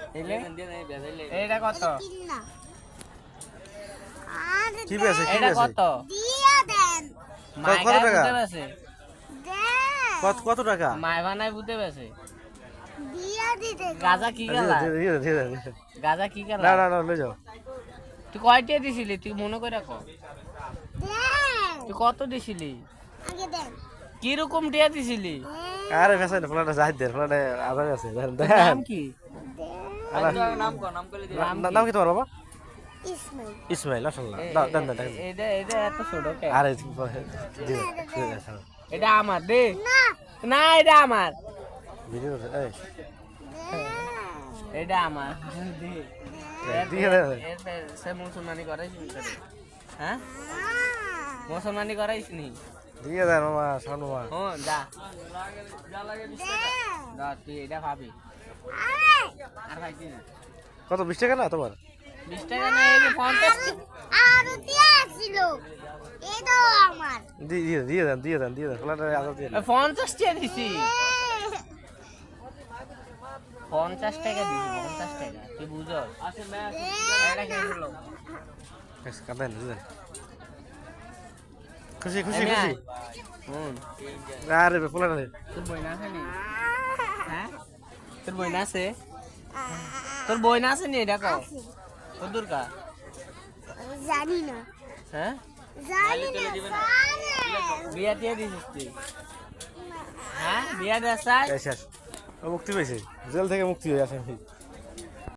এটা কত? কি বেছে কি এটা বেছে কত? দিয়া দেন কত টাকা? দেন কত টাকা? মায় বানায় বুঝতে পেরেছে। দিয়া দিতে গাজা কি গেলা? ধীরে গাজা কি গেলা? না না না লই যাও। তুই কয়টা দিছিলি? তুই মনে করে রাখ। দেন তুই কত দিছিলি? আগে দেন কি রকম টিয়া দিছিলি? আরে বেছে না ফলাটা যাই দে ফলাটা আবার আছে দেন তোর দেন। নাম কি? নাম কি তোমার বাবা? ইসমাইল ইসমাইল মাশাআল্লাহ দাও দেন দেন দেন। এটা এত ছোট কে? আরে এটা আমার দে। না না এটা আমার। ভিডিও এই এটা আমার দে। দিয়ে দে। সে মুসলমানি করাইছিস নি? হ্যাঁ মুসলমানি করাইছিস নি? দিয়ে দেন মামা শানু মামা। হ্যাঁ যা যা তুই এটা ভাবি আর ভাইছি না কত 20 টাকা না তোমার? 20 টাকা না এই যে 50 আর দিয়া ছিল এই দাও আমার দিয়ে দেন ফলাটা আবার দিয়ে দেন। 50 টাকা দিছি 50 টাকা দিছি 50 টাকা তুই বুঝছ এটা কেন হলো কাঁদেন বুঝলেন খুশি হুম আরে ফলাটা তোর বই না আছে নি হ্যাঁ তোর বই না আছে তোর বই না আছে নি এটা কও তোর দূরকা জানি না হ্যাঁ জানি না বিয়া দিয়ে দিছিস তুই হ্যাঁ বিয়া দেয় শেষ ও মুক্তি পেয়েছে জেল থেকে মুক্তি হয়ে আসে